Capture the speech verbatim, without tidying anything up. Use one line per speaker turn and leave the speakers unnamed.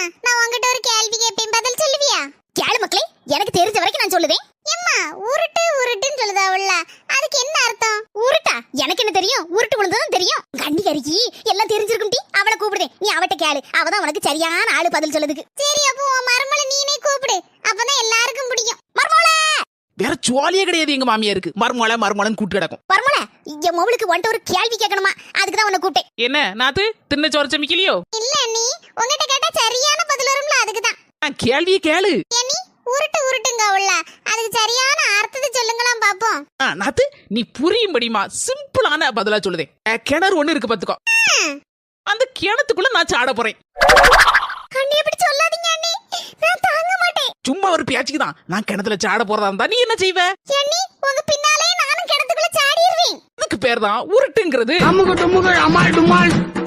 நான் உன்கிட்ட ஒரு கேள்வி கேட்பேன், பதில் சொல்லுவியா?
கேளு மக்களே, எனக்கு தெரிஞ்ச வரைக்கும் நான் சொல்லுதேன்.
எம்மா, உருட்டு உருட்டுன்னு சொல்லுதாவுல்ல, அதுக்கு என்ன அர்த்தம்?
உருட்டா? எனக்கு என்ன தெரியும்? உருட்டு விழுந்ததும் தெரியும். கண்ணிகரிக்கி எல்லாம் தெரிஞ்சிருக்கும் டி. அவளை கூப்பிடுதேன், நீ அவட்ட கேளு. அவதான் உனக்கு சரியான ஆளு பதில் சொல்லுதுக்கு.
சரி, அப்போ உன் மருமலை நீனே கூப்பிடு, அப்பதான் எல்லாருக்கும் பிடிக்கும்.
மர்மோளே!
வேற ஜுவாலியே கிடையாது எங்க மாமியாருக்கு. மர்மோளை மர்மோளன்னு கூட்டு கிடக்கும்.
மர்மோளே, என் மொபைலுக்கு வந்துட்டு ஒரு கேள்வி கேட்கணுமா, அதுக்கு தான் உன்னை கூப்பிட்டேன்.
என்ன நாத்து தின்ன சோறு சமைக்கலையோ?
இல்ல நீ உன்கிட்ட கேட்டா சரியான பதில் வரும்ல, அதுக்குதான்.
கேள்வியே கேளு.
நீ உருட்டு உருட்டுங்க உள்ள, அதுக்கு சரியான அர்த்தத்தை சொல்லுங்களாம் பாப்போம்.
நாத்து நீ புரியும்படிமா சிம்பிளான பதிலா சொல்லுதே. கிணறு ஒண்ணு இருக்கு பாத்துக்கோ. அந்த கிணத்துக்குள்ள நான் சாட போறேன்.
கண்ணி எப்படி சொல்லாதீங்க அண்ணி, நான் தாங்க மாட்டேன்.
சும்மா ஒரு பேச்சுக்கு தான். நான் கிணத்துல சாட போறதா இருந்தா நீ என்ன செய்வ?
அண்ணி, உங்க பின்னாலே நானும் கிணத்துக்குள்ள சாடிடுவேன்.
அதுக்கு பேர் தான் உருட்டுங்கிறது.
அம்முக டும்முக அமால் டுமால்.